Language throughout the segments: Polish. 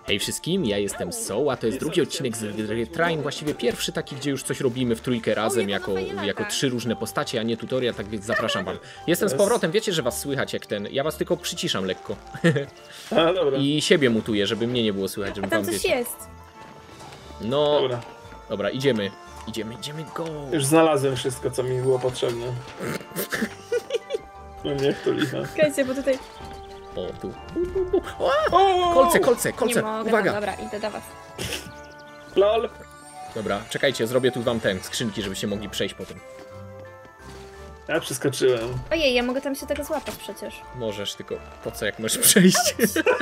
Hej wszystkim, ja jestem Soul, a to jest drugi odcinek z Retrain, właściwie pierwszy taki, gdzie już coś robimy w trójkę razem, jako 3 różne postacie, a nie tutorial, tak więc zapraszam wam. Jestem z powrotem, wiecie, że was słychać jak ten, ja was tylko przyciszam lekko. A, dobra. I siebie mutuję, żeby mnie nie było słychać, żeby A tam wam coś wiecie. jest. No, Dobra. dobra, idziemy, go. Już znalazłem wszystko, co mi było potrzebne. No niech to licha. Czekajcie, bo tutaj O, tu. O! Kolce, nie mogę. uwaga. Dobra, idę do was. LOL! Dobra, czekajcie, zrobię tu wam skrzynki, żebyście mogli przejść po tym. Ja przeskoczyłem. Ojej, ja mogę tam się tego złapać przecież. Możesz, tylko po co jak możesz przejść?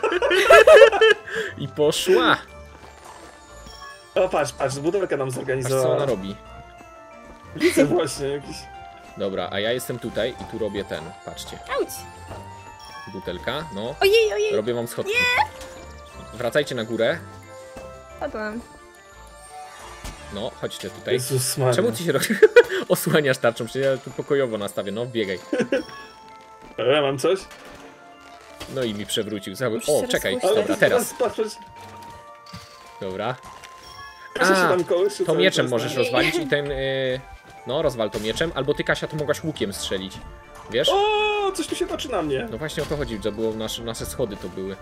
I poszła. O, patrz, butelkę nam Patrz zorganizowała. co ona robi. Widzę właśnie jakiś... Dobra, a ja jestem tutaj i tu robię ten, patrzcie. Auć! Butelka, no. Ojej! Robię wam schodki. Wracajcie na górę. Padłam. No, chodźcie tutaj. Jezus Maria. Czemu ty się osłaniasz tarczą? Przecież ja tu pokojowo nastawię, no biegaj. Ja mam coś? No i mi przewrócił cały... Już O, się czekaj, rozpuszczę. dobra, teraz. Patrz. Dobra. Kasia się A, tam kołyszy to cały mieczem czas, możesz tak? rozwalić i ten... No, rozwal to mieczem, albo ty, Kasia, to mogłaś łukiem strzelić. Wiesz? O, coś tu się toczy na mnie. No właśnie o to chodzi, że było nasze schody to były.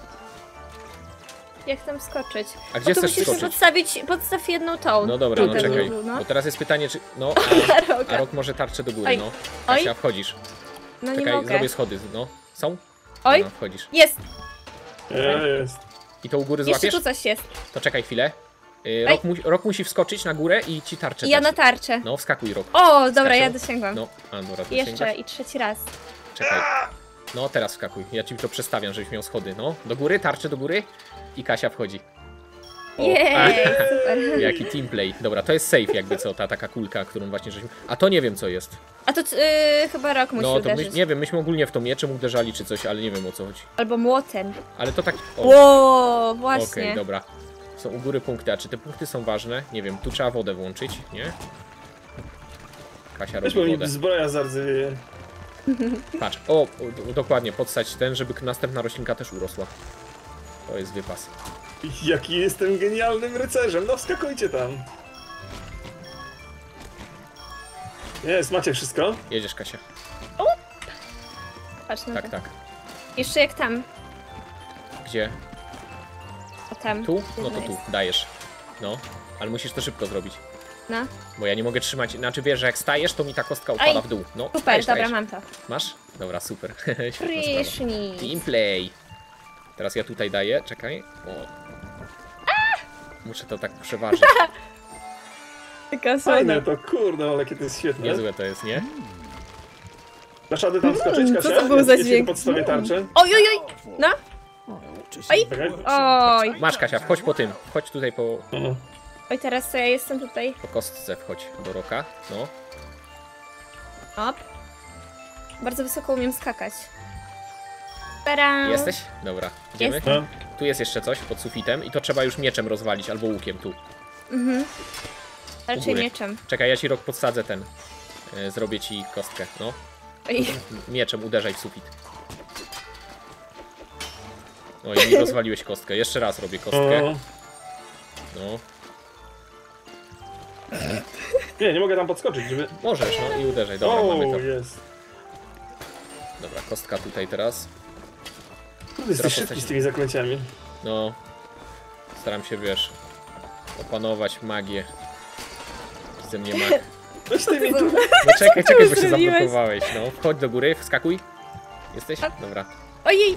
Jak tam skoczyć? A gdzie tu chcesz musisz skoczyć? podstaw jedną tą. No dobra, no Tutaj, czekaj. no. Bo teraz jest pytanie, czy... No, a Rok może tarczę do góry, Oj. no. Oj. Kasia, wchodzisz. No nie Czekaj, mogę. zrobię schody, no. Są? Oj, No, wchodzisz. jest! Jest. I to u góry Jeszcze złapiesz? tu coś jest. To czekaj chwilę. Ej. Rok musi wskoczyć na górę i ci tarczę I ja dać. na tarczę. No, wskakuj, Rok. O, dobra, Skasiu? ja dosięgłam. No, a dobra, to Jeszcze sięgasz? i trzeci raz. Czekaj. No, teraz wskakuj. Ja ci to przestawiam, żebyś miał schody. No, do góry, tarczę do góry i Kasia wchodzi. O, Jej, super. Jaki teamplay. Dobra, to jest safe jakby co, ta taka kulka, którą właśnie żeśmy... A to nie wiem co jest. A to chyba Rok musi No, to uderzyć. nie wiem, myśmy ogólnie w to mieczem uderzali czy coś, ale nie wiem o co chodzi. Albo młotem. Ale to tak... O, Ło, właśnie. okej, dobra. Są u góry punkty, a czy te punkty są ważne? Nie wiem, tu trzeba wodę włączyć, nie? Kasia Weź, robi bo mi wodę. zbroja zardzewieje. Patrz, o, dokładnie, podstać ten, żeby następna roślinka też urosła. To jest wypas. Jaki jestem genialnym rycerzem, no wskakujcie tam. Jest, macie wszystko? Jedziesz, Kasia. Patrz na Tak, to. tak. Jeszcze jak tam. Gdzie? O tam. Tu? No to Jedno tu, jest. dajesz. No, ale musisz to szybko zrobić. No. Bo ja nie mogę trzymać, znaczy wiesz, że jak stajesz, to mi ta kostka upada Oj, w dół. No, Super, stajesz, dobra, stajesz. mam to. Masz? Dobra, super. Świetna sprawa. Prysznic. Teamplay. Teraz ja tutaj daję, czekaj. O. Muszę to tak przeważyć. Taka Fajne to, kurde, ale jakie to jest świetne. Niezłe to jest, nie? Dasz radę tam skoczyć, Kasia? co to był za Ja ci dźwięk? podstawię tarczę. Oj! No. Oj! Czekaj. Oj! Masz, Kasia, wchodź po tym. Wchodź tutaj po Oj, teraz to ja jestem tutaj. kostce, wchodź do Roka. No. Op. Bardzo wysoko umiem skakać. Tadam. Jesteś? Dobra, idziemy. Jest. No. Tu jest jeszcze coś pod sufitem i to trzeba już mieczem rozwalić, albo łukiem tu. Raczej góry. mieczem. Czekaj, ja ci Rok podsadzę ten. Zrobię ci kostkę, no. Oj. Mieczem uderzaj w sufit. No i mi rozwaliłeś kostkę. Jeszcze raz robię kostkę. O. No. Nie mogę tam podskoczyć, żeby... Możesz, no i uderzaj. Dobra, O, mamy to. jest. Dobra, kostka tutaj teraz. Kurde, jesteś Teraz szybki z tymi zaklęciami. No. Staram się, wiesz, opanować magię. Ze mnie mag. Weź ty mi tu... No czekaj, bo się zrobiłeś? zablokowałeś. No, wchodź do góry, wskakuj. Jesteś? Dobra. Ojej!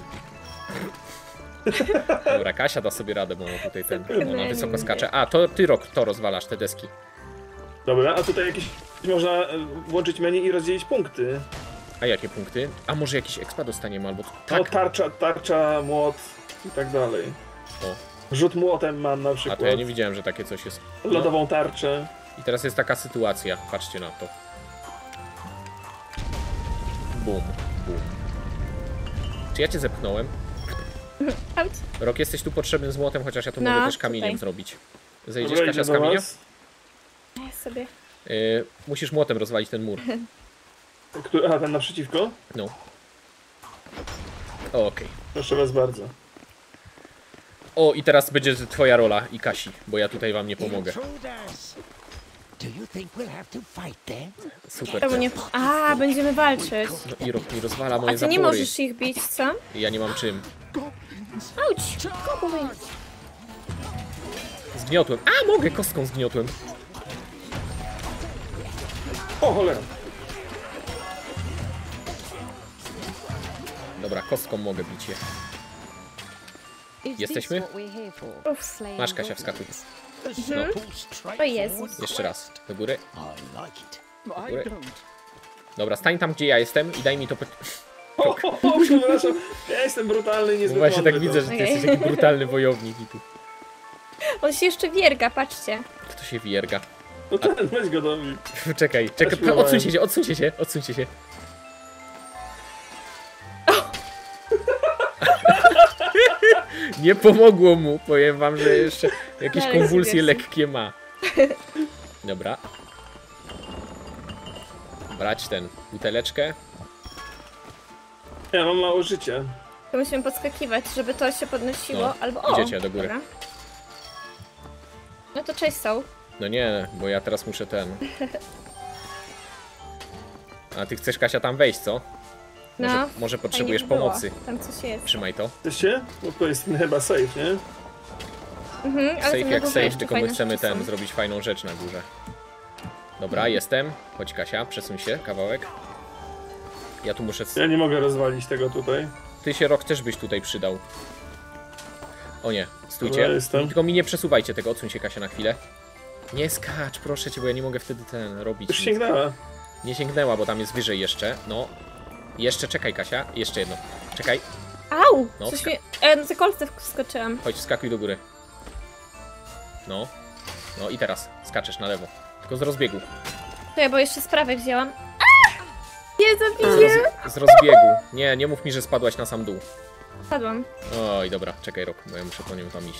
Dobra, Kasia da sobie radę, bo ona tutaj ten. Ona Super. wysoko skacze. A, to ty Rok to rozwalasz, te deski. Dobra, a tutaj jakieś... Można włączyć menu i rozdzielić punkty. A jakie punkty? A może jakiś expa dostaniemy albo. No, Tak. tarcza, młot i tak dalej. O. Rzut młotem mam na A przykład. to ja nie widziałem, że takie coś jest. No. Lodową tarczę. I teraz jest taka sytuacja. Patrzcie na to. Bum, bum. Czy ja cię zepchnąłem? Auć. Rok, jesteś tu potrzebny z młotem, chociaż ja to No, mogę też kamieniem tutaj. zrobić. Zejdziesz, Dobra, Kasia, idę z do kamienia? was. Ja sobie. Musisz młotem rozwalić ten mur. Aha, ten naprzeciwko? No. Okej. Proszę was bardzo. O, i teraz będzie twoja rola i Kasi, bo ja tutaj wam nie pomogę. Super. Czemu nie... A, będziemy walczyć. No, Irok mi rozwala A moje ty nie zapory. możesz ich bić, co? Ja nie mam czym. Auć! Kobuj! Zgniotłem. A, mogę, kostką zgniotłem. O, cholera. Dobra, kostką mogę bić je. Jesteśmy? Uff. Masz, Kasia, wskakuj. O Jezus. Jeszcze raz. Do góry. Do góry. Dobra, stań tam, gdzie ja jestem i daj mi to... O, przepraszam. Ja jestem brutalny i niezbyt Właśnie tak mądry, widzę, to. że ty jesteś taki brutalny wojownik i tu. On się jeszcze wierga, patrzcie. Kto się wierga? No ten, weź go do mnie. Czekaj, śpiewałem. odsuńcie się, odsuńcie się, odsuńcie się. Nie pomogło mu, powiem wam, że jeszcze jakieś Dalej konwulsje sobie lekkie ma. Dobra. Brać ten, buteleczkę. Ja mam mało życia. To musimy podskakiwać, żeby to się podnosiło, No, albo o! idziecie do góry. Dobra. No to cześć są. No nie, bo ja teraz muszę ten... A ty chcesz, Kasia, tam wejść, co? No. Może potrzebujesz Fajnie by było. pomocy. Tam coś jest. Trzymaj to. Jesteście? Bo to jest chyba safe, nie? Mhm, ale Safe tam na jak górze safe, jeszcze tylko my fajne chcemy rzeczy są. zrobić fajną rzecz na górze. Dobra, jestem. Chodź, Kasia, przesuń się kawałek. Ja tu muszę... Ja nie mogę rozwalić tego tutaj. Ty się, Rok, też byś tutaj przydał. O nie, stójcie. Dobra, jestem. Tylko mi nie przesuwajcie tego, odsuń się, Kasia, na chwilę. Nie skacz, proszę cię, bo ja nie mogę wtedy robić. Już nic. sięgnęła. Nie sięgnęła, bo tam jest wyżej jeszcze. No. Jeszcze czekaj, Kasia. Jeszcze jedno. Czekaj. Au! No, Coś ska- mnie... na te kolce wskoczyłam. Chodź, skakuj do góry. No. No i teraz skaczesz na lewo. Tylko z rozbiegu. Czekaj, bo jeszcze z prawej wzięłam. Nie zabiję! Z rozbiegu. Nie, nie mów mi, że spadłaś na sam dół. Padłam. Oj, dobra, czekaj, Rok, bo ja muszę po nią tam iść.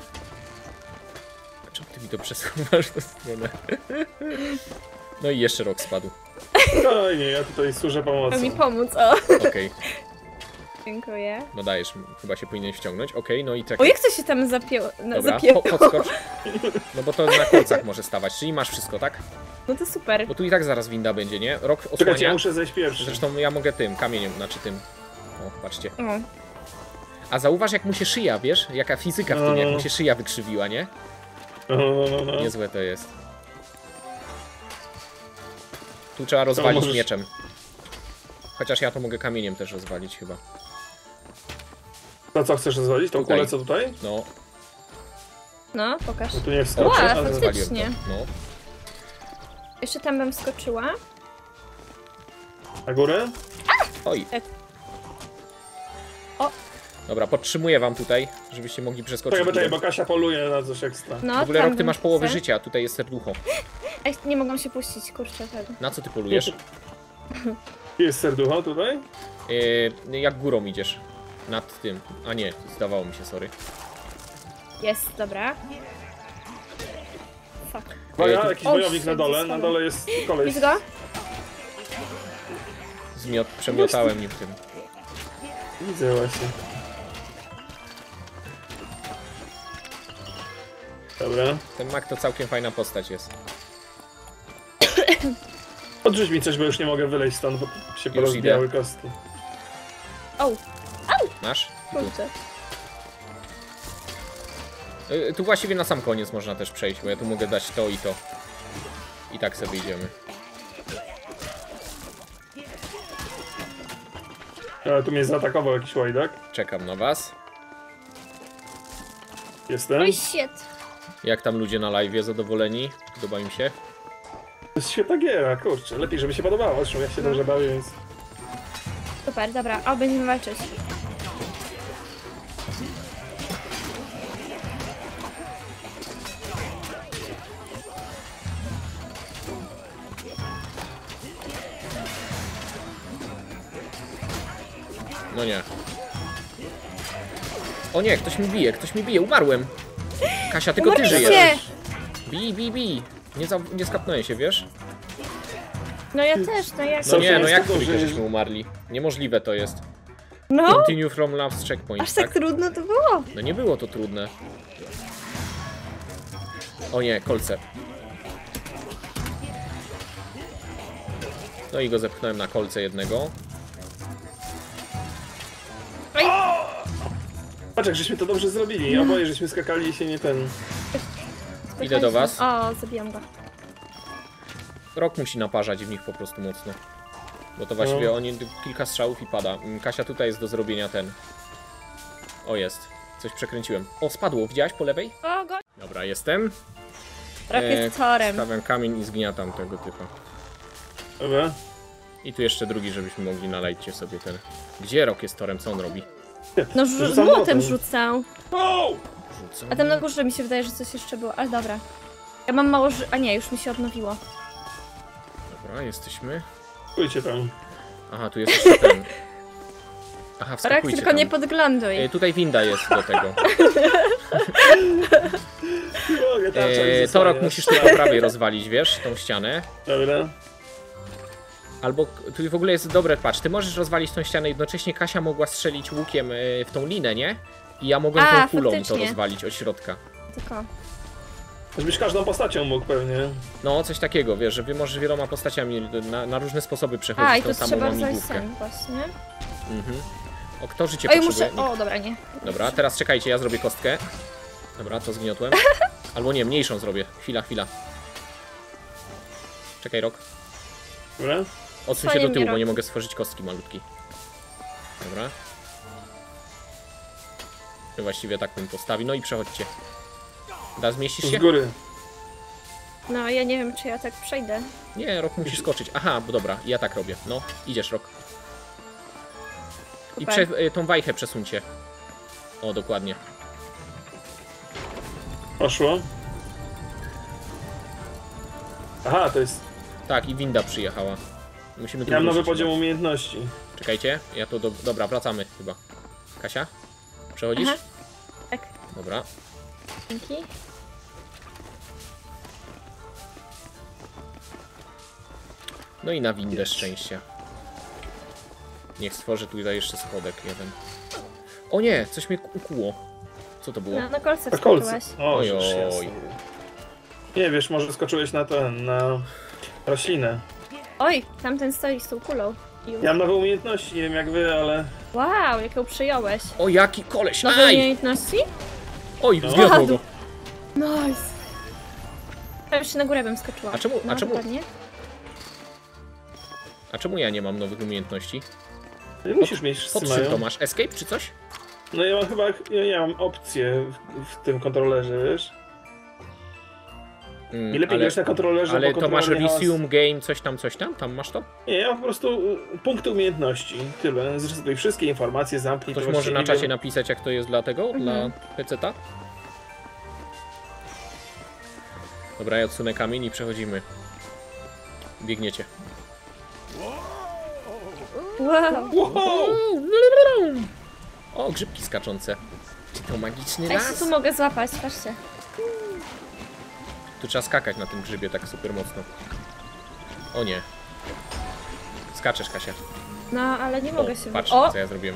Czemu ty mi to przesuwasz w tę stronę? No i jeszcze Rok spadł. Oj nie, ja tutaj służę pomocą. Chciał mi pomóc, o. Okej, Dziękuję. no dajesz, chyba się powinien wciągnąć. Okej, no i O, czekaj. jak to się tam zapięło? No, Dobra, zapięło. podskocz. No bo to na kolcach może stawać, czyli masz wszystko, tak? No to super. Bo tu i tak zaraz winda będzie, nie? Rok Czekajcie, ja osłania. muszę zejść pierwszy. Zresztą ja mogę tym, kamieniem, znaczy tym. O, patrzcie. O. A zauważ, jak mu się szyja, wiesz? Jaka fizyka w tym, jak mu się szyja wykrzywiła, nie? No. Niezłe to jest. Tu trzeba rozwalić możesz- mieczem. Chociaż ja to mogę kamieniem też rozwalić chyba. To co chcesz rozwalić? Tą Tutaj. kulę co tutaj? No, No, pokaż. No tu nie Ła, wskoczę, ale... faktycznie. rozwaliłem to. No. Jeszcze tam bym skoczyła. Na górę? Oj. Tak. O. Dobra, podtrzymuję wam tutaj, żebyście mogli przeskoczyć. Czekaj, bo górę. Kasia poluje na coś ekstra. No, W ogóle, tam Rok, ty bym masz połowę chcę. życia, a tutaj jest serducho. Ej, nie mogłam się puścić, kurczę. Tak. Na co ty polujesz? Jest serducho tutaj? Jak górą idziesz? Nad tym. A nie, zdawało mi się, sorry. Jest, dobra. Fuck. Uwaga, tu- jakiś O, wojownik shit, na dole. zostałem. Na dole jest koleś. Widzisz go? Przemiotałem nim tym. Widzę właśnie. Dobra. Ten mak to całkiem fajna postać jest. Odrzuć mi coś, bo już nie mogę wyleźć stąd, bo się Już porozbijały idę. kostki. O, Masz? Tu. kurczę. Tu właściwie na sam koniec można też przejść, bo ja tu mogę dać to i to. I tak sobie idziemy. Ale tu mnie zaatakował jakiś łajdak. Czekam na was. Jestem. Oj, shit. Jak tam ludzie na live, zadowoleni? Podoba im się? To jest świetna giera, kurczę. Lepiej, żeby się podobało. Zresztą ja się dobrze bawię, więc... Super, dobra. O, będziemy walczyć. No nie. O nie, ktoś mi bije, umarłem. Kasia, tylko ty Umarliście! żyjesz. Bij. Nie skapnąłem się, wiesz? No ja też, no jak... No nie, no jak tego, trójkę że- żeśmy umarli? Niemożliwe to jest. No, Continue from last checkpoint, aż tak trudno to było. No nie było to trudne. O nie, kolce. No i go zepchnąłem na kolce jednego. Patrz, jak żeśmy to dobrze zrobili. Oboje żeśmy skakali i się nie ten... Idę do was. O, zabijam go. Rok musi naparzać w nich po prostu mocno. Bo to właściwie oni kilka strzałów i pada. Kasia, tutaj jest do zrobienia ten. O, jest. Coś przekręciłem. O, spadło. Widziałaś po lewej? O, go. Dobra, jestem. Rok jest torem. Stawiam kamień i zgniatam tego typa. Dobra. I tu jeszcze drugi, żebyśmy mogli nalejcie sobie ten. Gdzie Rok jest torem? Co on robi? No, Rzucam młotem młotem. rzucał. Wow! Rzucam. A tam na górze mi się wydaje, że coś jeszcze było, ale dobra. Ja mam mało A nie, już mi się odnowiło. Dobra, jesteśmy. Pójdźcie tam. Aha, tu jest jeszcze ten. Aha, Rok, wskakujcie tylko tam. nie podgląduj. Tutaj winda jest do tego. Mogę tam Torok musisz tu po prawej rozwalić, wiesz, tą ścianę. Dobra. Albo tu w ogóle jest dobre, patrz, ty możesz rozwalić tą ścianę, jednocześnie Kasia mogła strzelić łukiem w tą linę, nie? I ja mogłem tą kulą to faktycznie. rozwalić od środka. Tylko. Żebyś każdą postacią mógł pewnie. No, coś takiego, wiesz, że wy możesz wieloma postaciami na różne sposoby przechodzić A, i tą tu samą trzeba rozwalić łamigłówkę. sen właśnie. Mhm. O, kto życie Oj, potrzebuje? muszę... O, dobra, nie. Dobra, teraz czekajcie, ja zrobię kostkę. Dobra, to zgniotłem. Albo nie, mniejszą zrobię. Chwila. Czekaj, Rok. Dobra. Odsuń się Swoje do tyłu, bo mnie nie Rok. mogę stworzyć kostki malutkiej. Dobra. To właściwie tak bym postawił. No i przechodźcie. Zmieścisz Z się? góry. No, ja nie wiem, czy ja tak przejdę. Nie, Rok musi skoczyć. Aha, bo dobra, ja tak robię. No, idziesz, Rok. I Super. tą wajchę przesuńcie. O, dokładnie. Poszło. Aha, to jest... Tak, i winda przyjechała. Musimy tu Ja mam nowy wrócić poziom chyba. umiejętności. Czekajcie, ja to dobra, wracamy chyba. Kasia? Przechodzisz? Aha. Tak, Dobra. dzięki. No i na windę szczęścia. Niech stworzę tutaj jeszcze schodek jeden. O nie, coś mnie ukuło. Co to było? No, na kolce Na kolce. wskoczyłaś. O, Oj, już oj. jasne. Nie wiesz, może skoczyłeś na na roślinę. Oj, tamten stoi z tą kulą. Ja mam nowe umiejętności, nie wiem jak wy, ale... Wow, jak ją przyjąłeś. O, jaki koleś! Nowe Aj! umiejętności? Oj, No. zwiodło go. Nice. Ja już się na górę bym skoczyła. A czemu- No, a czemu- dokładnie. A czemu ja nie mam nowych umiejętności? Nie musisz mieć, wszyscy Pod czym mają. to masz? Escape czy coś? No ja mam chyba, ja mam opcję w tym kontrolerze, wiesz? I lepiej grać na kontrolerze, ale bo to masz kontroler nie resume game, coś tam? Tam masz to? Nie, ja mam po prostu punkty umiejętności, tyle. Zrezyduj wszystkie informacje, zamknij Ktoś to może właściwie na nie czacie wiem. napisać, jak to jest dla tego? Dla PC-ta? Dobra, ja odsunę kamień i przechodzimy. Biegniecie. Wow. Wow! O, grzybki skaczące. Czy to magiczny Ja się las? tu mogę złapać, patrzcie. Tu trzeba skakać na tym grzybie tak super mocno. O nie. Skaczesz, Kasia. No, ale nie mogę się... Patrz, O! co ja zrobiłem.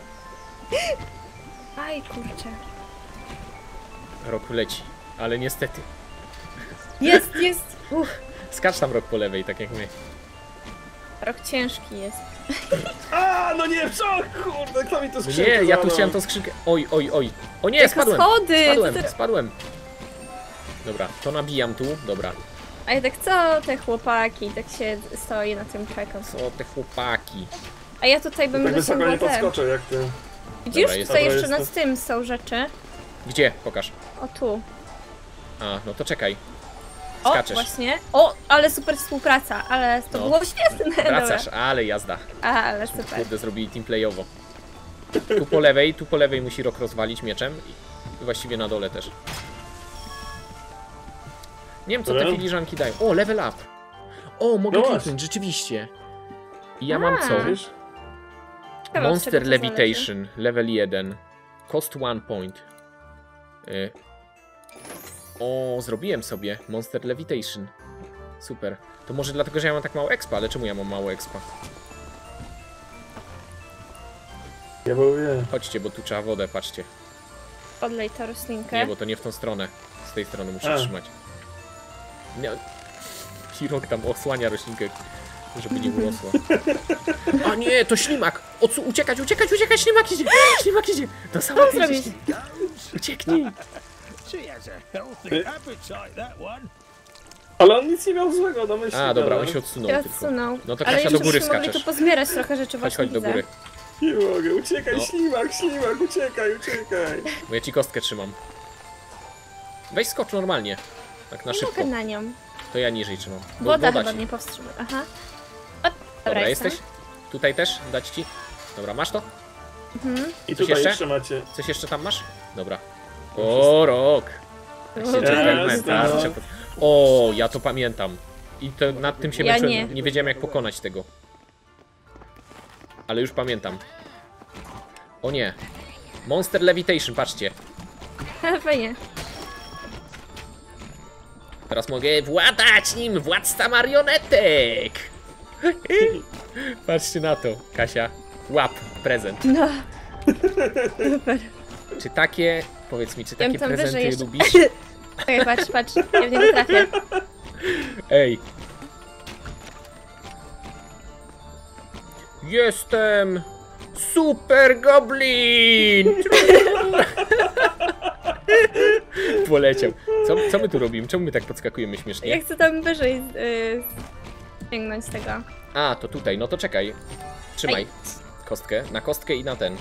Aj, kurczę. Rok leci, ale niestety. Jest! Skacz tam, Rok, po lewej, tak jak my. Rok ciężki jest. A, no nie, co? Kurde, kto mi to skrzynkę Nie, ja tu złamał? chciałem tą skrzynkę. Oj. O nie, Jako spadłem! schody! Spadłem! Dobra, to nabijam tu. Dobra. A ja tak co te chłopaki, tak się stoi na tym czekam. Co te chłopaki? A ja tutaj bym Tak wysoko nie dosięgła te. podskoczę jak ty. Widzisz, Dobra, jest. tutaj Dobra, jeszcze jest nad tym są rzeczy. Gdzie? Pokaż. O tu. A, no to czekaj. O, Skaczesz. właśnie. O, ale super współpraca, ale to No. było świetne. Wracasz, Dobra. ale jazda. A, ale super. Kurde, zrobili teamplayowo. Tu po lewej musi Rok rozwalić mieczem. I właściwie na dole też. Nie wiem, co te Dobra. filiżanki dają. O, level up. O, mogę No kliknąć, rzeczywiście. I ja mam co? Wiesz? Ciekawe, od Monster czego to Levitation, level 1. Cost 1 point. O, zrobiłem sobie Monster Levitation. Super. To może dlatego, że ja mam tak mało expa, ale czemu ja mam mało expa? Ja boję. Chodźcie, bo tu trzeba wodę, patrzcie. Odlej tę roślinkę. Nie, bo to nie w tą stronę. Z tej strony muszę A. trzymać. Nie. Hirok tam osłania roślinkę, żeby nie urosła. A nie, to ślimak! Uciekać, uciekać, uciekać! Ślimak idzie! Ślimak idzie! To samo Co idzie, zrobić? ślimak. Ucieknij! She has a healthy appetite, that one. Ale on nic nie miał złego, no myślę. A, dobra, on się odsunął Teraz tylko. sunął. No to Ale Kasia już do góry byśmy mogli skaczesz. tu pozbierać trochę rzeczy, Chodź, właśnie chodź do widzę. góry. Nie mogę, uciekaj, No. ślimak, uciekaj, uciekaj. Bo ja ci kostkę trzymam. Weź skocz normalnie. Tak na Nie szybko. mogę na nią. To ja niżej trzymam. Bo Woda chyba ci. mnie powstrzymuje. Aha. O, Dobra, jestem. jesteś? Tutaj też? Dać ci? Dobra, masz to? I Coś tutaj jeszcze? jeszcze macie. Coś jeszcze tam masz? Dobra. O, rok! Tak się dżentelmen, Jest, tak, no. trzeba- O, ja to pamiętam. I to nad tym się Ja męczyłem. nie. Wiedziałem jak pokonać tego. Ale już pamiętam. O nie. Monster Levitation, patrzcie. Fajnie. Teraz mogę władać nim, władca marionetek! Patrzcie na to, Kasia. Łap, prezent. No. Super. Czy takie, powiedz mi, czy Ja takie bym tam wyżej prezenty jeszcze- lubisz? Czekaj, patrz, ja w niego trafię. Ej. Jestem Super Goblin! Poleciał. Co my tu robimy? Czemu my tak podskakujemy Ja śmiesznie? chcę tam wyżej sięgnąć tego. A, to tutaj, no to czekaj. Trzymaj Aj. kostkę, na kostkę i na ten.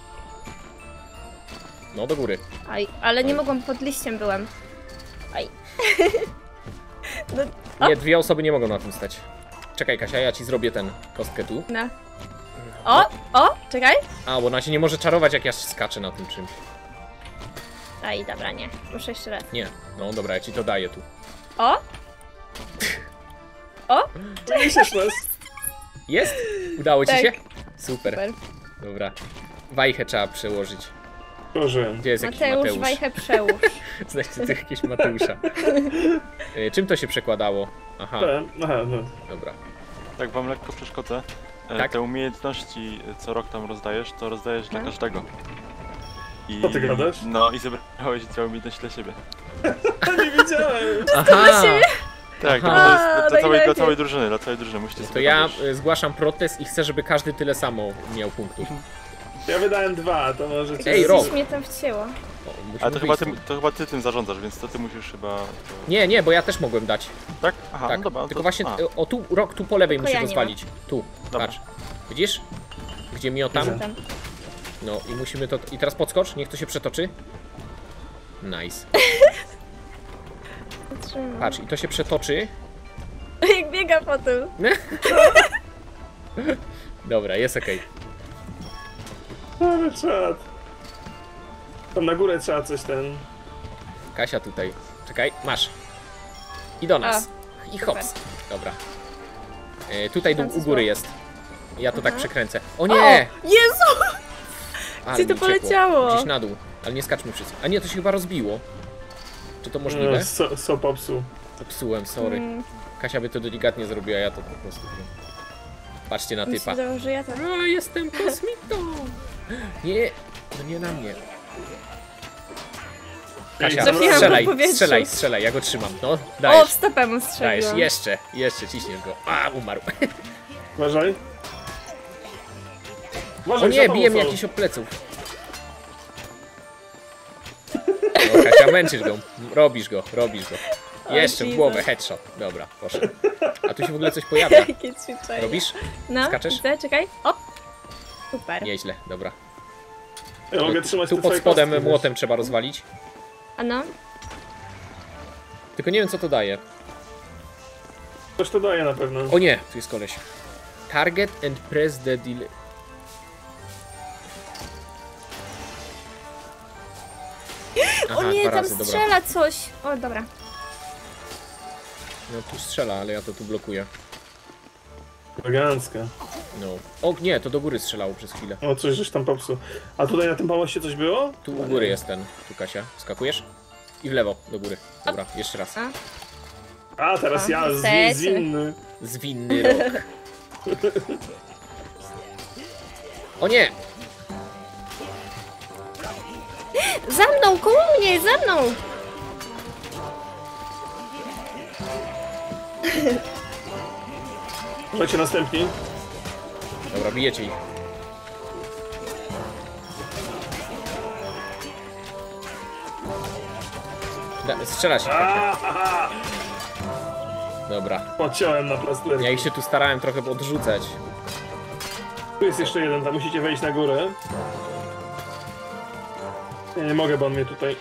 No, do góry. Aj, ale nie mogłam, pod liściem byłem. Aj. No, o. Nie, dwie osoby nie mogą na tym stać. Czekaj, Kasia, ja ci zrobię ten kostkę tu. No. O, czekaj. A, bo ona się nie może czarować, jak ja skaczę na tym czymś. Aj, dobra, nie. Muszę jeszcze raz. Nie, no dobra, ja ci to daję tu. O! O! Myślisz nas? Jest? Udało ci Tak. się? Super. Super. Dobra. Wajchę trzeba przełożyć. Proszę. Gdzie jest jakiś Mateusz, Mateusz? wajchę przełóż. Znajdźcie tu jakiegoś Mateusza. Czym to się przekładało? Aha, Aha, no. dobra. Tak wam lekko przeszkodzę. Tak? Te umiejętności, co rok tam rozdajesz, to rozdajesz dla No. każdego. I, Co ty gadasz? No i zebrałeś całą umiejętność dla siebie. Nie wiedziałem. Aha! Tak, Aha. to jest A, dla najlepiej. całej drużyny, musicie To sobie ja robić. zgłaszam protest i chcę, żeby każdy tyle samo miał punktów. Ja wydałem 2, to możecie... Ej, Rob. Coś mnie tam wcięło. O, musimy Ale wyjść. to chyba ty tym zarządzasz, więc to ty musisz chyba... Nie, nie, bo ja też mogłem dać. Tak? Aha, Tak, no dobra. tylko to, właśnie a, o tu, rok tu po lewej Tylko musi ja nie rozwalić. Tu, Dobra. patrz. Widzisz? Gdzie miotam? Widzę. Tam. No i musimy to... I teraz podskocz, niech to się przetoczy. Nice. Trzymam. Patrz, i to się przetoczy. Jak biega po tym. Dobra, jest okej. Ale czad. Tam na górę trzeba coś ten... Kasia tutaj. Czekaj, masz. I do nas. I hops. Dobra. Tutaj Tam u coś góry było. jest. Ja to tak Aha. przekręcę. O O! nie! Jezu! Ale Gdzie to mi uciekło. poleciało? Gdzieś na dół. Ale nie skaczmy wszyscy. A nie, to się chyba rozbiło. Czy to możliwe? So popsuł. Popsułem, sorry. Kasia by to delikatnie zrobiła, ja to po prostu wiem. Patrzcie na Mi się typa. wydawało, że ja tam... O, jestem kosmitą! Nie, no nie na mnie. Kasia, Trafiłam w strzelaj, powietrzu. strzelaj, ja go trzymam. No, O, dajesz, w stopę mu dajesz, strzeliłam. jeszcze ciśniesz go. A, umarł. Uważaj. O Uważaj, nie, za bije mnie tobą jakiś od pleców. No, Kasia, męczysz go, robisz go. Jeszcze w Jesus. głowę, headshot. Dobra, poszedł. A tu się w ogóle coś pojawia. Jakie ćwiczenie. Robisz? No, Skaczesz? widzę, czekaj. O! Super. Nieźle, dobra. Ja mogę trzymać Tu te pod twoje spodem kostki, młotem trzeba rozwalić. A no? Tylko nie wiem co to daje. wiesz. Coś to daje na pewno. O nie, tu jest koleś. Target and press the delay. Aha, O nie, dwa tam razy, dobra. strzela coś. O, dobra. No tu strzela, ale ja to tu blokuję. Elegancka. No. O nie, to do góry strzelało przez chwilę. O, coś żeś tam popsuł. A tutaj na tym pałacie coś było? Tu u góry jest ten. Tu Kasia. Skakujesz? I w lewo, do góry. Dobra, jeszcze raz. A, teraz O, ja, niestety. zwinny. Zwinny rok. O nie! Za mną, koło mnie, za mną! Lecie następni. Dobra, bijecie ich. Strzela się. Ahaha! Dobra. Podciąłem na plaster. Ja ich się tu starałem trochę odrzucać. Tu jest jeszcze jeden, tam musicie wejść na górę. Ja nie mogę, bo on mnie tutaj...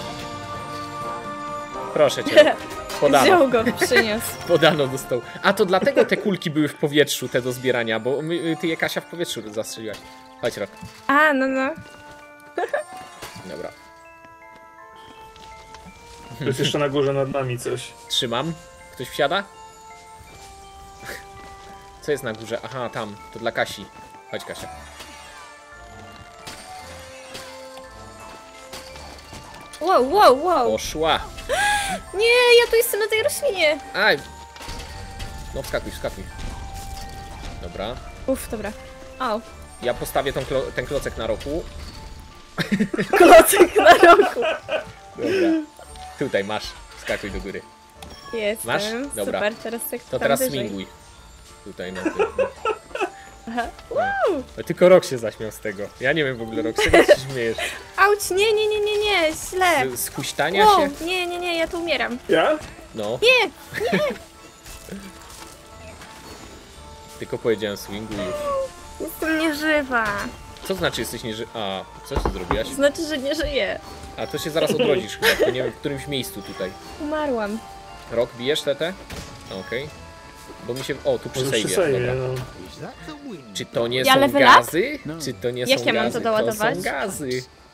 Proszę cię. Podano. Wziął go, przyniósł. Podano do stołu. A to dlatego te kulki były w powietrzu, te do zbierania, bo ty je, Kasia, w powietrzu zastrzeliłaś. Chodź, Rok. A, no. Dobra. Tu jest jeszcze na górze nad nami coś. Trzymam. Ktoś wsiada? Co jest na górze? Aha, tam. To dla Kasi. Chodź, Kasia. Wow. Poszła. Nie, ja tu jestem na tej roślinie. Aj. No wskakuj. Dobra. Uff, dobra. Au. Ja postawię ten klocek na Roku. Klocek na rogu. Dobra. Tutaj masz. Wskakuj do góry. Jestem. Masz? Dobra. Super, teraz tak To tam teraz wyżej. swinguj. Tutaj na tym. Aha. No, tylko Rok się zaśmiał z tego. Ja nie wiem w ogóle, Rok, z czego się śmiejesz? Auć, nie, źle. Z huśtania Wow, się? nie, ja tu umieram. Ja? No. Nie. Tylko powiedziałem swinguj już. Jestem nieżywa. Co znaczy jesteś A, co ty zrobiłaś? Znaczy, że nie żyję. A to się zaraz odrodzisz chyba, to nie wiem w którymś miejscu tutaj. Umarłam. Rok, bijesz TT? Okej. Bo mi się... O, tu przy Może przy sejmie, sejmie, dobra. no. Is that the wind? Czy to nie Ja są level up? gazy? Czy to nie Jak są ja mam gazy? to doładować? To są gazy.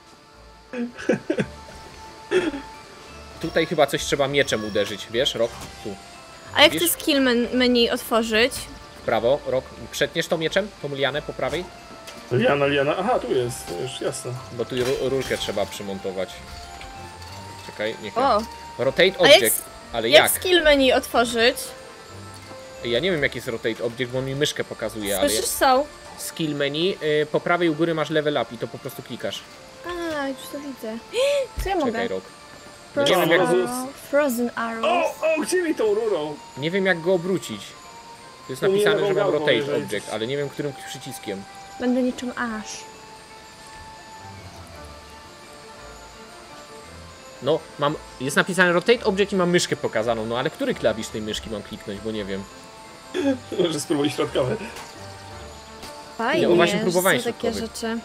Tutaj chyba coś trzeba mieczem uderzyć, wiesz, Rok? Tu, A jak Wiesz? to skill menu otworzyć? w prawo, Rok. Przetniesz to mieczem, tą lianę po prawej? Liana. Aha, tu jest, to już jasne. Bo tu rurkę trzeba przymontować. Czekaj, niech ja... O, Rotate a jak, object. Ale jak jak? skill menu otworzyć? Ja nie wiem jak jest rotate object, bo on mi myszkę pokazuje, ale... Słyszysz, są? Skill menu, po prawej u góry masz level up i to po prostu klikasz. A, już to widzę. Co ja mogę? Czekaj, Rok. No nie Frozen wiem, jak, arrow. Frozen arrows. Gdzie mi tą rurą? nie wiem jak go obrócić. To jest U mnie napisane, lewą że mam gałką, rotate jeżeli- object, ale nie wiem którym przyciskiem. Będę niczym aż. No, jest napisane rotate object i mam myszkę pokazaną, no ale który klawisz tej myszki mam kliknąć, bo nie wiem. Może spróbuj środkowe. Fajnie, No właśnie że próbowałem są takie środkowych. rzeczy.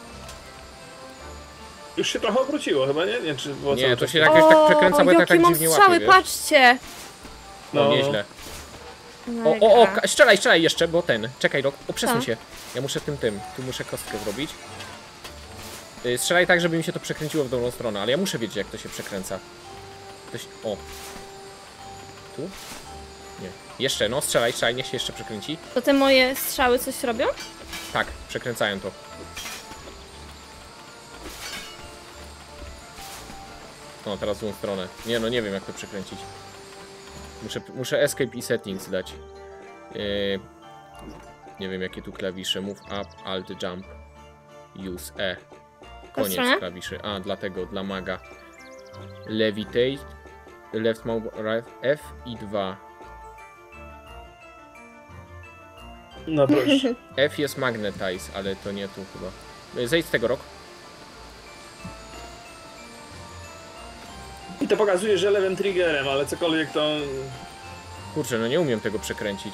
Już się trochę obróciło chyba, nie? Nie, czy było Nie, cały to czas się jakoś tak przekręca, bo ja tak jakie mam dziwnie strzały, łapię, wiesz? patrzcie! No, nieźle. Strzelaj jeszcze, bo czekaj, Rok, przesuń Co? się. Ja muszę tu muszę kostkę zrobić. Strzelaj tak, żeby mi się to przekręciło w dobrą stronę, ale ja muszę wiedzieć jak to się przekręca. O. Tu? Nie. Jeszcze, no strzelaj, niech się jeszcze przekręci. To te moje strzały coś robią? Tak, przekręcają to. No, teraz w złą stronę. Nie, no nie wiem jak to przekręcić. Muszę escape i settings dać. Nie wiem jakie tu klawisze. Move up, alt, jump. Use E. Koniec stronę? klawiszy. A, dlatego, dla maga. Levitate. Left mouse, right, F i 2. No proszę. F jest magnetize, ale to nie tu chyba. Zejdź z tego, Rok. I to pokazuje, że lewym triggerem, ale cokolwiek to... Kurczę, no nie umiem tego przekręcić.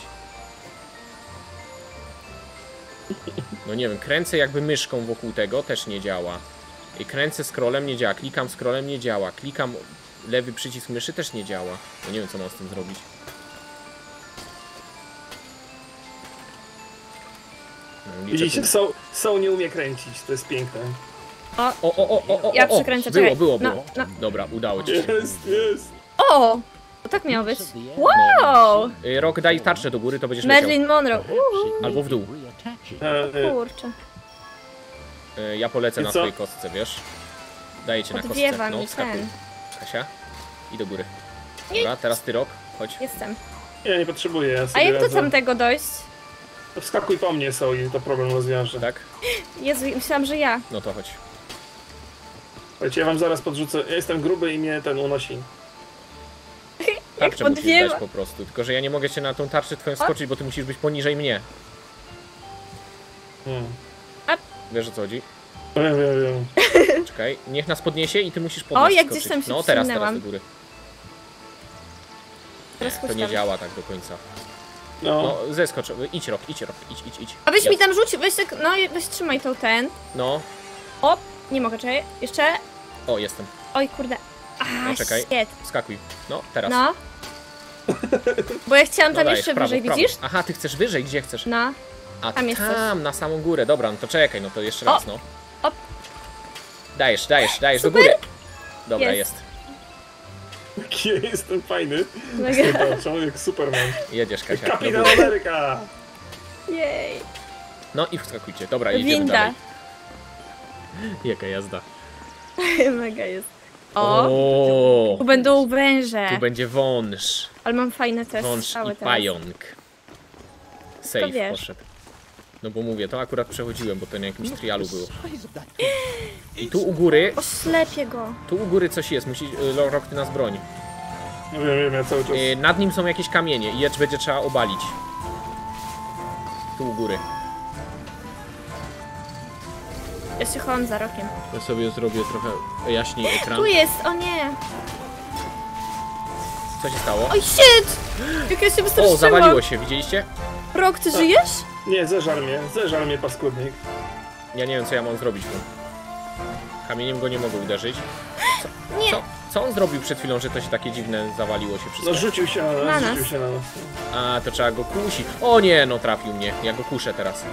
No nie wiem, kręcę jakby myszką wokół tego, też nie działa. I kręcę scrollem, nie działa. Klikam scrollem, nie działa. Klikam lewy przycisk myszy, też nie działa. No nie wiem, co mam z tym zrobić. No, liczę Widzicie, tu- są nie umie kręcić, to jest piękne. O, Ja przekręcę, było, czekaj. było. No. Dobra, udało ci się. Jest. O! To tak miało być. Wow! Rok, daj tarczę do góry, to będziesz leciał. Marilyn Monroe. Albo w dół. Kurczę. Ja polecę I na co? swojej kostce, wiesz? Daję cię na kostce. Odwiewa No, mi wskakuj. ten. Kasia. I do góry. Dobra, teraz ty, Rok. Chodź. Jestem. Ja nie potrzebuję, ja A sobie jak do radzę. tamtego dojść? To wskakuj po mnie, są i to problem rozwiąże. Tak? Jezu, myślałam, że ja. No to chodź. Słuchajcie, ja wam zaraz podrzucę. Ja jestem gruby i mnie ten unosi. Tarczę musisz podwiewa. dać po prostu, tylko że ja nie mogę się na tą tarczę twoją skoczyć, bo ty musisz być poniżej mnie. Wiesz o co chodzi? Wiem. Czekaj, niech nas podniesie i ty musisz podnieść. O, jak skoczyć. gdzieś tam się No teraz wsunęłam. do góry. Teraz To nie puszczam. działa tak do końca. No. No, zeskocz, idź rok, idź. A weź Ja- mi tam rzuć, weź tak, no i weź trzymaj tą ten. No, O, nie mogę, czekaj. Jeszcze. o, jestem. Oj, kurde. No, czekaj. Shit. Skakuj. No, teraz. No. Bo ja chciałam No, tam dajesz, jeszcze w prawo, wyżej, w prawo. widzisz? Aha, ty chcesz wyżej, gdzie chcesz? No. A tam jest coś. tam, na samą górę. Dobra, no to czekaj, no to jeszcze O, raz, no. op. Dajesz, do Super. góry. Dobra, Jest. jest. Jaki ja jestem fajny. Mega. To człowiek Superman. Jedziesz, Kasia. do Kapitan góry. Ameryka! Jej. No i wskakujcie. Dobra, jedziemy Winda. dalej. Jaka jazda. Mega jest. O, O, tu będą węże. tu będzie wąż. Ale mam fajne te Wąż strzały i teraz. pająk. Safe wiesz. poszedł. No bo mówię, to akurat przechodziłem, bo to na jakimś trialu było. Size of that I tu u góry, Oślepię go. coś jest. Musi, Rok, ty nas broń. No wiem, ja cały czas... Nad nim są jakieś kamienie i je będzie trzeba obalić. Tu u góry. Ja się chowam za rokiem. Ja sobie zrobię trochę jaśniej ekran. Tu jest, o nie. Co się stało? Oj, shit! Jak ja się O, wystraszyłam. zawaliło się, widzieliście? Rok, ty żyjesz? Nie, zeżar mnie paskudnik. Ja nie wiem, co ja mam zrobić tu. Kamieniem go nie mogę uderzyć. Nie. Co on zrobił przed chwilą, że to się takie dziwne zawaliło się wszystko? No rzucił się na Na nas, nas. rzucił się na nas. A, to trzeba go kusić. O nie, no trafił mnie. Ja go kuszę teraz.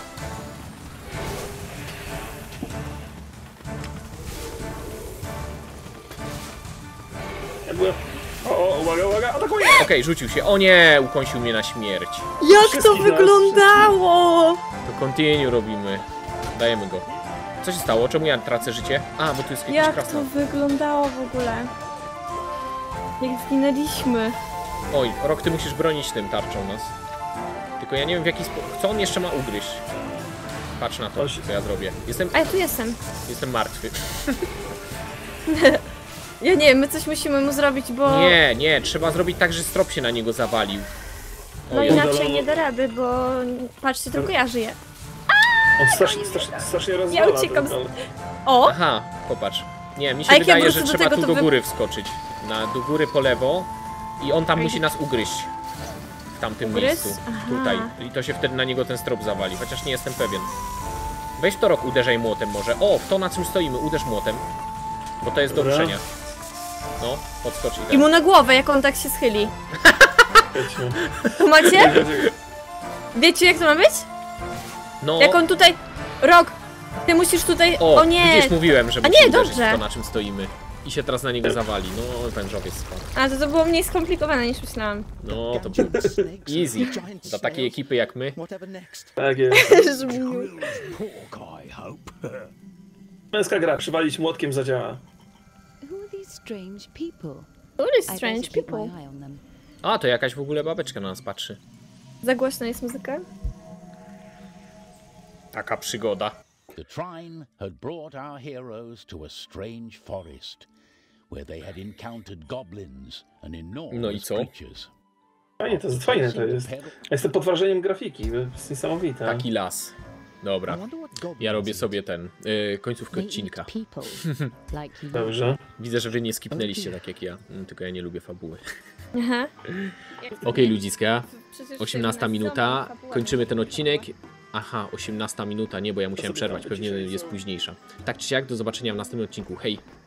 Ja byłem... O, uwaga, atakuje! Okej, rzucił się. O nie, ukąsił mnie na śmierć. Jak to Wszystkich nas, wyglądało? To continue robimy. Dajemy go. Co się stało? Czemu ja tracę życie? A, bo tu jest jakiś Jak krasnal. to wyglądało w ogóle? Jak zginęliśmy. Oj, Rok, ty musisz bronić tym tarczą nas. Tylko ja nie wiem w jaki sposób... Co on jeszcze ma ugryźć? Patrz na to, Oś. co ja zrobię. A ja tu jestem. Jestem martwy. Ja nie wiem, my coś musimy mu zrobić, bo... Nie, trzeba zrobić tak, że strop się na niego zawalił. No Jezu. inaczej nie da rady, bo... Patrzcie, tylko ja żyję. On strasznie rozwala. uciekam ten- O! Aha, popatrz. Nie, mi A się jak ja wydaje, wrócę że do trzeba tego, tu to do wy- góry wskoczyć. Do góry po lewo i on tam musi nas ugryźć. W tamtym Ugryźć? miejscu. Aha. Tutaj. I to się wtedy na niego ten strop zawali, chociaż nie jestem pewien. Weź to, Rok, uderzaj młotem może. O, w to na czym stoimy, uderz młotem. Bo to jest do Dobra. ruszenia. No, podskocz i I ten. mu na głowę, jak on tak się schyli. Wiecie. Tu macie? Wiecie, jak to ma być? No, Jak on tutaj... Rok! Ty musisz tutaj... o, O nie! widzisz, mówiłem, że A musi nie, uderzyć dobrze. w to, na czym stoimy. I się teraz na niego zawali. No, wężowiec spadł. A, to było mniej skomplikowane niż myślałam. No, to było easy. Dla takiej ekipy jak my. Whatever next. Tak jest. Pork, I hope. Męska gra, przywalić młotkiem zadziała. Who are these strange people? Who is I strange better keep my people? eye on them. A, to jakaś w ogóle babeczka na nas patrzy. Za głośno jest muzyka? Taka przygoda. The trine had brought our heroes to a strange forest, where they had encountered goblins and enormous co? creatures. Fajnie, to jest fajne to jest. Ja jestem pod wrażeniem grafiki, to jest niesamowite. Taki las. Dobra. I wonder what goblins Ja robię eat. sobie końcówkę They eat odcinka. people, like you. Dobrze. Widzę, że wy nie skipnęliście tak jak ja. Tylko ja nie lubię fabuły. Aha. Okej, ludziska. Przecież 18 minuta. Kończymy ten odcinek. Aha, 18 minuta. Nie, bo ja musiałem przerwać. Pewnie jest późniejsza. Tak czy siak, do zobaczenia w następnym odcinku. Hej!